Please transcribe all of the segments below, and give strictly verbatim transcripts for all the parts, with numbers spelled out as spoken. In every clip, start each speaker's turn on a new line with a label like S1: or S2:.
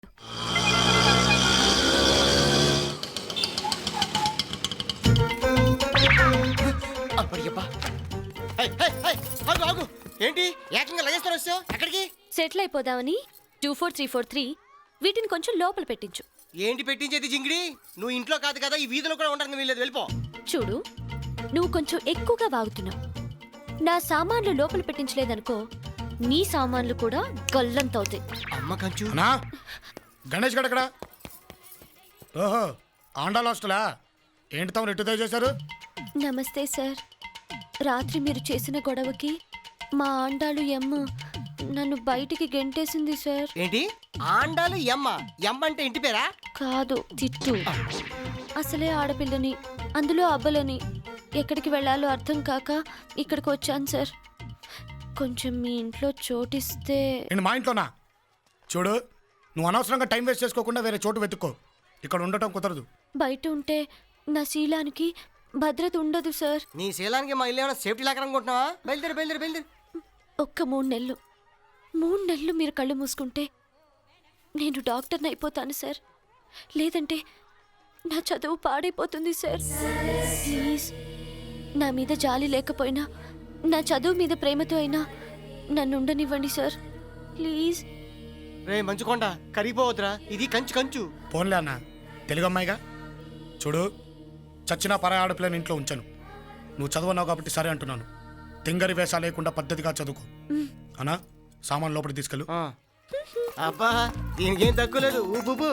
S1: ఏంటి ఏకంగా లగేజ్తో వచ్చావు? ఎక్కడికి?
S2: సెటిల్ అయిపోదామని two four three four three వీటిని కొంచెం లోపల పెట్టించు.
S1: ఏంటి పెట్టించేది జింగిడి? నువ్వు ఇంట్లో కాదు కదా, ఈ వీధిలో కూడా ఉండడానికి వీల్లేదు, వెళ్ళిపో.
S2: చూడు, నువ్వు కొంచెం ఎక్కువగా వాగుతున్నావు. నా సామాన్లు లోపల పెట్టించలేదనుకో, నీ సామాన్లు కూడా గల్లంతవుతాయి.
S1: అమ్మ కంచు.
S3: గణేష్ గడకడా? ఓహో, ఆండాల్ హాస్టలా? ఏంటి తమరు ఎటు చేశారు?
S2: నమస్తే సార్. రాత్రి మీరు చేసిన గొడవకి మా ఆండాలు ఎమ్మ నన్ను బయటికి గెంటేసింది సార్.
S1: ఏంటి ఆండాలు ఎమ్మ? ఎమ్మ అంటే ఇంటి పేరా?
S2: కాదు, తిట్టు. అసలే ఆడపిల్లని, అందులో అబ్బలని, ఎక్కడికి వెళ్ళాలో అర్థం కాక ఇక్కడికి వచ్చాను సార్. కొంచెం మీ ఇంట్లో చోటిస్తే.
S3: నేను మా ఇంట్లోనా? చూడు, నువ్వు అనవసరంగా టైం వేస్ట్ చేసుకోకుండా వేరే చోటు వెతుక్కో. ఇక్కడ ఉండటం కుదరదు.
S2: బయట ఉంటే నా శీలానికి భద్రత ఉండదు సార్.
S1: నీ శీలానికి మా ఇల్లు ఏమైనా సేఫ్టీ లాగా అనుకుంటున్నావా? బయలుదేరి బయలుదేరి బయలుదేరి.
S2: ఒక్క మూడు నెలలు మూడు నెలలు మీరు కళ్ళు మూసుకుంటే నేను డాక్టర్ని అయిపోతాను సార్. లేదంటే నా చదువు పాడైపోతుంది సార్. ప్లీజ్, నా మీద జాలి లేకపోయినా నా చదువు మీద ప్రేమతో అయినా నన్ను ఉండనివ్వండి సార్. ప్లీజ్.
S1: రే మంచుకొండ, కరిగిపోవద్దురా, ఇది కంచు కంచు.
S3: పోన్లే అన్న, తెలుగు అమ్మాయిగా. చూడు, చచ్చిన పరాయి ఆడపిల్లని ఇంట్లో ఉంచాను. నువ్వు చదువున్నావు కాబట్టి సరే అంటున్నాను. తింగరి వేషా లేకుండా పద్ధతిగా చదువుకో. అన్నా, సామాన్ లోపలికి తీసుకెళ్ళు.
S1: అబ్బా, దీనికేం తక్కువ లేదు. ఊపు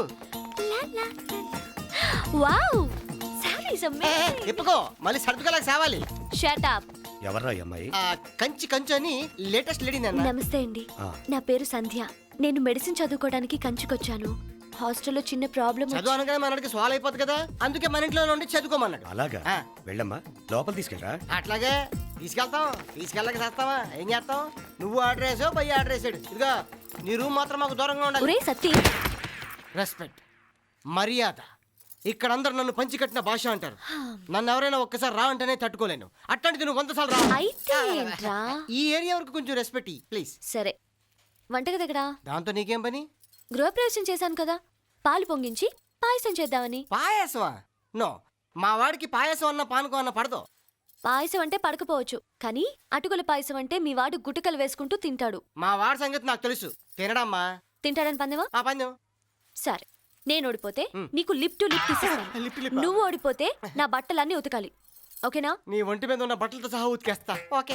S2: వావ్, సారీస్ అమేజింగ్.
S1: తిప్పుకో, మళ్ళీ సర్దుకోలేక సావాలి.
S2: Shut up.
S4: ఎవర్రా అమ్మాయి?
S1: కంచి కంచు అని లేటెస్ట్ లేడీ.
S2: నమస్తే అండి, నా పేరు సంధ్య. నేను మెడిసిన్ చదువుకోవడానికి కంచికొచ్చాను. హాస్టల్లో చిన్న ప్రాబ్లం.
S1: చదువు అనగానే మనకి సాల్వ్ అయిపోతుంది కదా, అందుకే మన ఇంట్లో ఉండి చదువుకోమన్నాడు.
S4: అలాగా? వెళ్ళమ్మా, లోపల తీసుకెళ్ళరా.
S1: అట్లాగే తీసుకెళ్తాం. తీసుకెళ్ళక చేస్తావా? ఏం చేస్తాం? నువ్వు ఆర్డర్ వేసావు, పై ఆర్డర్ వేసాడు. ఇదిగా నీ రూమ్ మాత్రం మాకు దూరంగా ఉండాలి.
S2: సత్తి,
S1: రెస్పెక్ట్, మర్యాద. ఇక్కడ అందరు నన్ను పంచి కట్టిన భాష అంటారు. నన్ను ఎవరైనా ఒక్కసారి రా అంటేనే తట్టుకోలేను. అట్లాంటిది నువ్వు వంద సార్లు రా. ఈ ఏరియా వరకు కొంచెం రెస్పెక్ట్ ప్లీజ్.
S2: సరే, వంటగది ఎక్కడా?
S1: దాంతో నీకేం పని?
S2: గృహప్రవేశం చేశాను కదా, పాలు పొంగించి పాయసం చేద్దామని.
S1: పాయసమా? నో, మా వాడికి పాయసం అన్న పానకం అన్న పడదు.
S2: పాయసం అంటే పడకపోవచ్చు, కానీ అటుకుల పాయసం అంటే మీ వాడు గుటకలు వేసుకుంటూ తింటాడు.
S1: మా వాడి సంగతి నాకు తెలుసు. తినడమ్మా.
S2: తింటాడని పందెమా?
S1: ఆ పందెం.
S2: సరే, నేను ఓడిపోతే నీకు లిప్ టు లిప్ తీసేస్తాను. నువ్వు ఓడిపోతే నా బట్టలన్నీ ఉతకాలి, ఓకేనా?
S1: నీ ఒంటి మీద ఉన్న బట్టలతో సహా ఉతికేస్తా. ఓకే.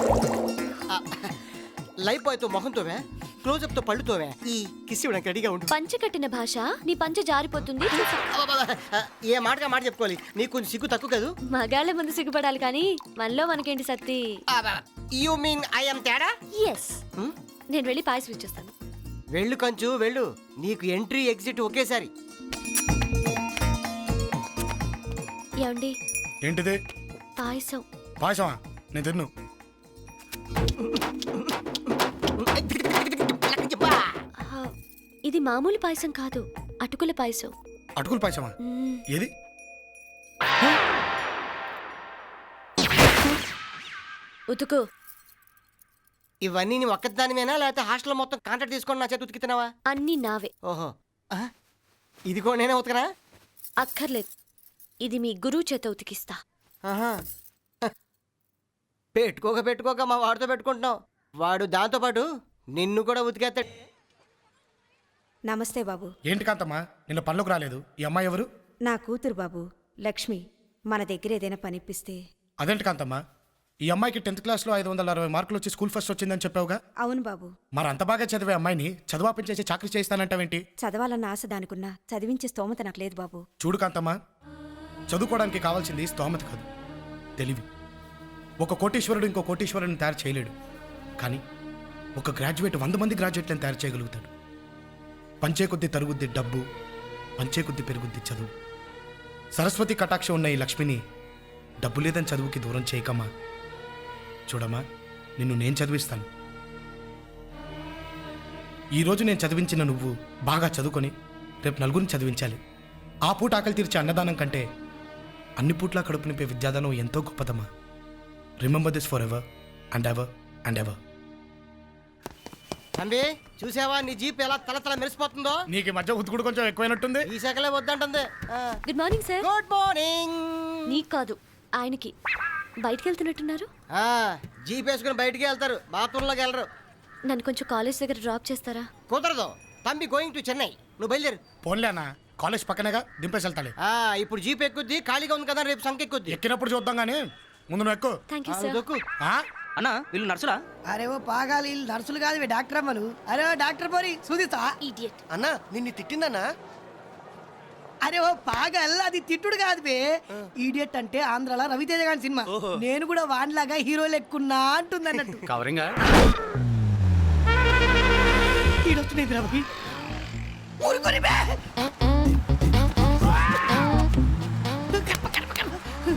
S1: లైఫ్ బాయ్ తో మొహంతోవే, క్లోజప్ తో పళ్ళుతోవే, ఈ కిస్ ఇవ్వడానికి రెడీగా ఉండు.
S2: పంచ కట్టిన భాష, నీ పంచ జారిపోతుంది.
S1: ఏ మాటగా మాట చెప్పుకోవాలి. నీకు కొంచెం సిగ్గు తక్కువ కదా.
S2: మగాళ్ళ ముందు సిగ్గుపడాలి, కానీ మనలో మనకేంటి Satti?
S1: You mean I am తేడా?
S2: ఎస్. నేను వెళ్ళి పాయసం ఇచ్చేస్తాను.
S1: వెళ్ళు కంచు, వెళ్ళు. నీకు ఎంట్రీ ఎగ్జిట్ ఒకేసారి.
S2: ఏమండి?
S3: ఏంటిది?
S2: పాయసం.
S3: పాయసమా? నేను తిన్ను.
S2: ఇది మామూలు పాయసం కాదు, అటుకుల పాయసం.
S3: అటుకుల పాయసమా? ఏది?
S2: ఉతుకు.
S1: ఇవన్నీ నీ ఒక్కదానివేనా, లేకపోతే హాస్టల్ మొత్తం కాంట్రాక్ట్ తీసుకొని నా చేతి ఉతికితున్నావా?
S2: అన్నీ నావే.
S1: ఓహో, ఇది కూడా నేనే ఉతకనా?
S2: అక్కర్లేదు, ఇది మీ గురువు చేత ఉతికిస్తా.
S1: పెట్టుకోక పెట్టుకోక మా వాడితో పెట్టుకుంటున్నావు. వాడు దాంతో పాటు నిన్ను కూడా ఉతికేస్తాడు.
S5: నమస్తే బాబు.
S3: ఏంటి కాంతమ్మా, నిన్న పనులకు రాలేదు? ఈ అమ్మాయి ఎవరు?
S5: నా కూతురు బాబు, లక్ష్మి. మన దగ్గర ఏదైనా పనిపిస్తే.
S3: అదేంటి కాంతమ్మా, ఈ అమ్మాయికి టెన్త్ క్లాస్లో ఐదు వందల అరవై మార్కులు వచ్చి స్కూల్ ఫస్ట్ వచ్చిందని చెప్పావుగా?
S5: అవును బాబు.
S3: మరి అంత బాగా చదివే అమ్మాయిని చదువాపించేసి చాకరీ చేయిస్తానంటావేంటి?
S5: చదవాలన్న ఆశ దానికున్నా, చదివించే స్తోమత నాకు లేదు బాబు.
S3: చూడు కాంతమ్మా, చదువుకోవడానికి కావాల్సింది స్తోమత కాదు, తెలివి. ఒక కోటీశ్వరుడు ఇంకో కోటీశ్వరుడిని తయారు చేయలేడు, కానీ ఒక గ్రాడ్యుయేట్ వంద మంది గ్రాడ్యుయేట్లను తయారు చేయగలుగుతాడు. పంచే కొద్ది తరుగుద్ది డబ్బు, పంచే కొద్ది పెరుగుద్ది చదువు. సరస్వతి కటాక్షం ఉన్న ఈ లక్ష్మిని డబ్బు లేదని చదువుకి దూరం చేయకమ్మా. చూడమ్మా, నిన్ను నేను చదివిస్తాను. ఈరోజు నేను చదివించిన నువ్వు బాగా చదువుకొని రేపు నలుగురిని చదివించాలి. ఆ పూట ఆకలి తీర్చే అన్నదానం కంటే అన్ని పూట్లా కడుపు నింపే విద్యాదానం ఎంతో గొప్పదమ్మా. Remember this for ever and ever and ever.
S1: తంబి చూసావా నీ జీప్ ఎలా తల తల మెరిసిపోతుందో?
S3: నీకు ఈ మధ్య ఉతుకుడు కొంచెం ఎక్కువైనట్టుంది.
S1: ఈ శాఖలే వద్దంటుంది.
S2: Good morning sir.
S1: Good morning.
S2: నీకు కాదు ఆయనకి. బయటికి వెళ్తున్నట్టున్నారు.
S1: జీప్ వేసుకుని బయటికి వెళ్తారు, బాత్రూంలోకి వెళ్ళరు.
S2: నన్ను కొంచెం కాలేజ్ దగ్గర డ్రాప్ చేస్తారా?
S1: కుదరదు. తంబి గోయింగ్ టు చెన్నై. నువ్వు బయలుదేరు.
S3: పోన్లే అన్న, కాలేజ్ పక్కనేగా, దింపేసి వెళ్తాలే.
S1: ఆ, ఇప్పుడు జీప్ ఎక్కుద్ది, ఖాళీగా ఉంది కదా, రేపు సంఖ్య ఎక్కుద్ది.
S3: ఎక్కినప్పుడు చూద్దాం కానీ ముందు నువ్వు ఎక్కు.
S2: థ్యాంక్ యూ
S1: ఆ,
S2: సార్.
S1: దొక్కు.
S3: ఆ?
S6: అన్నా వీళ్ళు నర్సులా?
S7: అరే ఓ పాగాలి వీళ్ళు నర్సులు కాదు ఇవి డాక్టర్ అమ్మలు. అరే ఓ డాక్టర్ పోరి సూదిస్తా.
S2: ఇడియట్.
S1: అన్నా నిన్ను తిట్టిందన్నా?
S7: అరే ఓ పాగల్ అది తిట్టుడు కాదు బే, ఈడియట్ అంటే ఆంధ్రాలో రవితేజ గారి సినిమా. నేను కూడా వాన్లాగా హీరో లెక్కున్నా అంటుంది అన్నట్టు.
S6: కవరింగ్
S7: ఈడొచ్చినది రవి ఊరుకొని బే. కడప, కడప, కడప.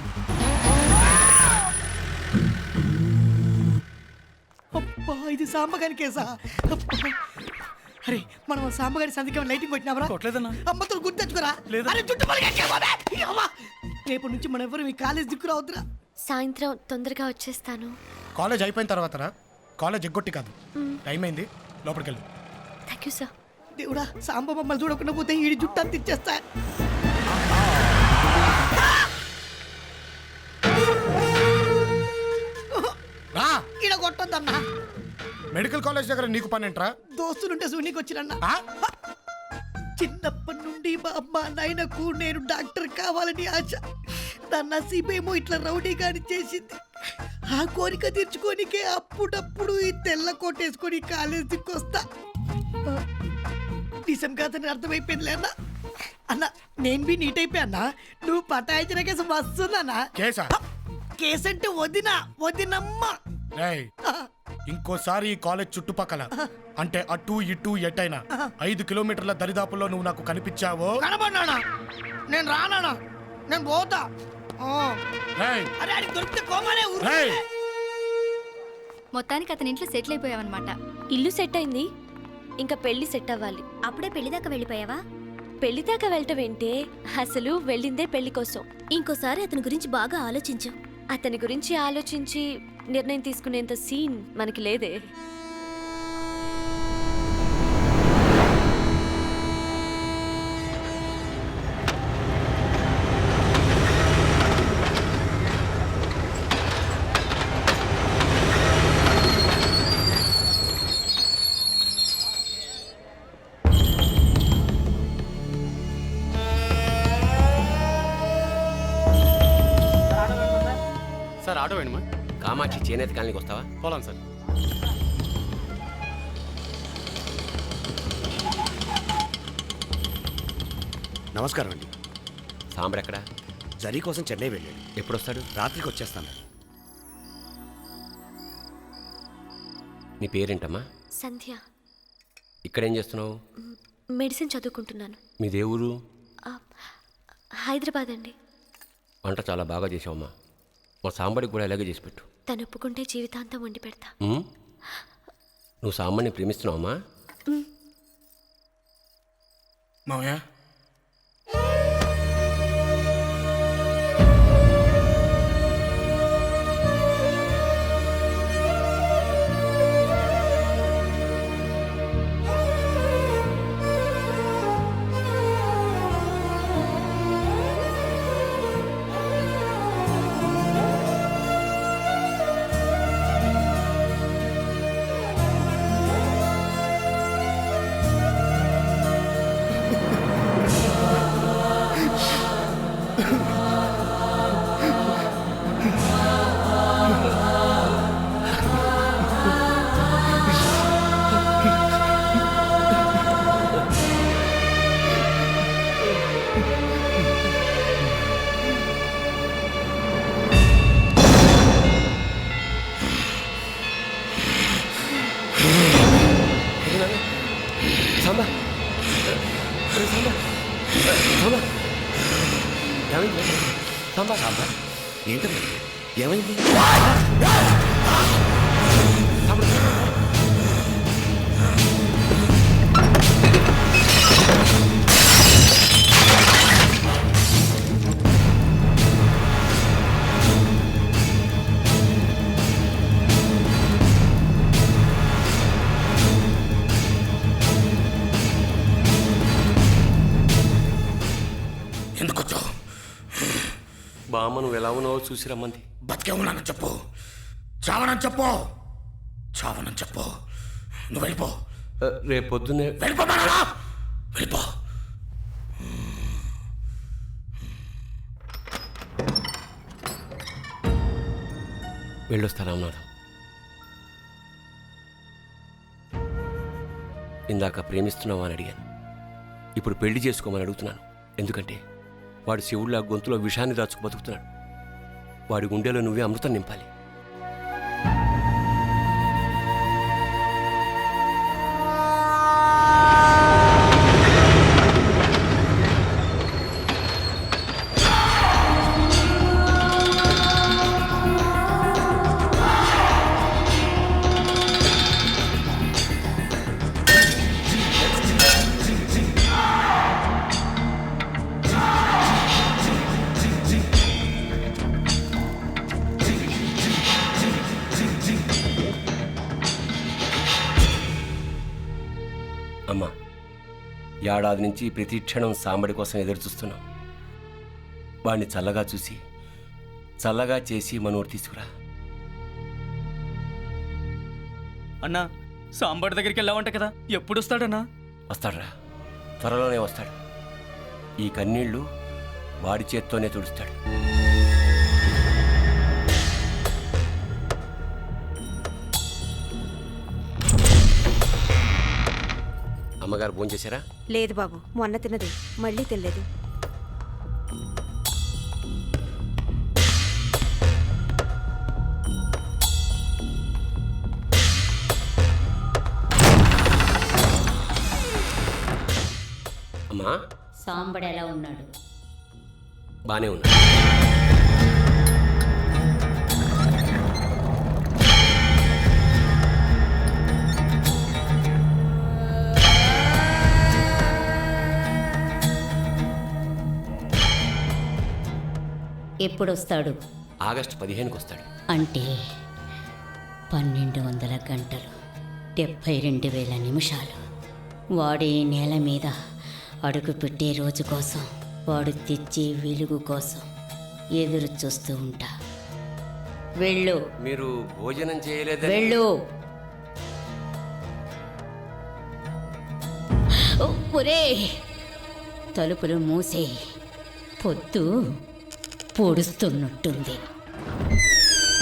S7: అబ్బా ఇది సాంబగారి కేసా? అబ్బా. అరే మనం సాంబగారి సందికి లైటింగ్ కొట్టినావరా?
S6: కొట్టలేదన్నా.
S7: అమ్మతో గుర్తెచ్చుకోరా. అరే జుట్టు పలికేకే బాబే. ఈ అమ్మ. రేపటి నుంచి మనం ఎవరు మీ కాలేజ్ దిక్కు రావద్దురా.
S2: సాయంత్రం తొందరగా వచ్చేస్తాను.
S3: కాలేజ్ అయిపోయిన తర్వాత రా. కాలేజ్ ఎగ్గొట్టి కాదు, టైం అయింది, లోపలికి వెళ్ళు.
S2: Thank you sir.
S7: దేవుడా సాంబ మమ్మల్ని చూడకుండా పోతే ఈ జుట్టు అంత ఇచ్చేస్తా.
S3: రా.
S7: ఈడ కొట్టొద్దన్నా.
S3: మెడికల్ కాలేజ్ దగ్గర నీకు పని ఏంట్రా?
S7: దోస్తులుంటే సూనికి వచ్చిరన్నా.
S3: ఆ?
S7: చిన్నప్పటి నుండి మా అమ్మ నాయనకు నేను డాక్టర్ కావాలని ఆశ. నా నసీబేమో ఇట్లా రౌడీగాని చేసింది. ఆ కోరిక తీర్చుకోనికే అప్పుడప్పుడు ఈ తెల్ల కోటేసుకొని కాలేజ్ దిక్కొస్తా. నిజం కాదని అర్థమైపోయిందిలే అన్న. అన్న నేను బి నీట్ అయిపోయా అన్న. నువ్వు పటాయించిన కేసు వస్తుందన్నా.
S3: కేసా?
S7: కేసు అంటే వదినా వదినమ్మ.
S3: రేయ్, ఇంకోసారి ఈ కాలేజ్ చుట్టుపక్కల అంటే అటు ఇటు ఎటైనా ఐదు కిలోమీటర్ల దరిదాపుల్లో నువ్వు నాకు కనిపించావో
S7: కనబడినానా? నేను రానా? నేను పోతా. ఆ.
S3: రేయ్,
S7: అరే అది దొరికితే కోమలే ఊరు.
S3: రేయ్.
S8: మొత్తానికి అతని ఇంట్లో సెటిల్ అయిపోయావన్నమాట.
S2: ఇల్లు సెట్ అయింది, ఇంకా పెళ్లి సెట్ అవ్వాలి.
S8: అప్పుడే పెళ్లి దాకా వెళ్ళిపోయావా?
S2: పెళ్లి దాకా వెళ్ళటం ఏంటే, అసలు వెళ్ళిందే పెళ్లి కోసం.
S8: ఇంకోసారి అతని గురించి బాగా ఆలోచించు.
S2: అతని గురించి ఆలోచించి నిర్ణయం తీసుకునేంత సీన్ మనకి లేదే.
S6: Sir auto వేణమా?
S4: కామాక్షి చేనేత కాలనీకి వస్తావా?
S6: పోలాం సార్.
S4: నమస్కారం అండి. సాంబర్ ఎక్కడా? జరీ కోసం చెన్నై వెళ్ళాడు. ఎప్పుడు వస్తాడు? రాత్రికి వచ్చేస్తాను. నీ పేరేంటమ్మా?
S2: సంధ్య.
S4: ఇక్కడేం చేస్తున్నావు?
S2: మ్, మెడిసిన్ చదువుకుంటున్నాను.
S4: మీ దేవురు?
S2: ఆ, హైదరాబాద్ అండి.
S4: వంట చాలా బాగా చేసావమ్మా. మా సాంబడికి కూడా ఇలాగే చేసి పెట్టు.
S2: తను ఒప్పుకుంటే జీవితాంతం వండి పెడతా.
S4: ఉమ్? నువ్వు సాంబడిని ప్రేమిస్తున్నావమ్మా?
S3: మావయ్య,
S4: సాంబా సాంబా సాంబా ఏమైంది? సాంబా సాంబా ఏంటమ్మా ఏమైంది? బామ్మ నువ్వు ఎలా ఉన్నావో చూసి రమ్మంది.
S3: బతికే ఉన్నానని చెప్పు, చావనని చెప్పు, చావనని చెప్పు. నువ్వు వెళ్ళిపో,
S4: రేపు పొద్దున్నే
S3: వెళ్ళిపో మానవా, వెళ్ళిపో.
S4: వెళ్ళొస్తా రామనాథం. ఇందాక ప్రేమిస్తున్నావా అని అడిగాను, ఇప్పుడు పెళ్లి చేసుకోమని అడుగుతున్నాను. ఎందుకంటే వాడు శివుళ్ళ గొంతులో విషాన్ని దాచుకు బతుకుతున్నాడు. వాడి గుండెలో నువ్వే అమృతం నింపాలి. అమ్మా, ఏడాది నుంచి ప్రతి క్షణం సాంబడి కోసం ఎదురు చూస్తున్నాం. వాడిని చల్లగా చూసి చల్లగా చేసి మనోడు తీసుకురా.
S6: అన్నా సాంబార్ దగ్గరికి వెళ్ళావంట కదా, ఎప్పుడు వస్తాడన్నా?
S4: వస్తాడురా, త్వరలోనే వస్తాడు. ఈ కన్నీళ్లు వాడి చేత్తోనే తుడుస్తాడు. అమ్మగారు భోజనం చేశారా?
S5: లేదు బాబు, మొన్న తిన్నది మళ్ళీ తినలేదు.
S4: అమ్మా,
S9: సాంబడు ఎలా ఉన్నాడు?
S4: బానే ఉన్నాడు.
S9: ఎప్పుడొస్తాడు?
S4: ఆగస్టు పదిహేనుకి వస్తాడు.
S9: అంటే పన్నెండు వందల గంటలు, డెబ్భై రెండు వేల నిమిషాలు. వాడు ఈ నేల మీద అడుగు పెట్టే రోజు కోసం, వాడు తెచ్చే వెలుగు కోసం ఎదురు చూస్తూ ఉంటా. వెళ్ళు,
S4: మీరు భోజనం చేయలేదు?
S9: వెళ్ళు. ఓ, ఒరే, తలుపులు మూసే, పొద్దు పొడుస్తున్నట్టుంది.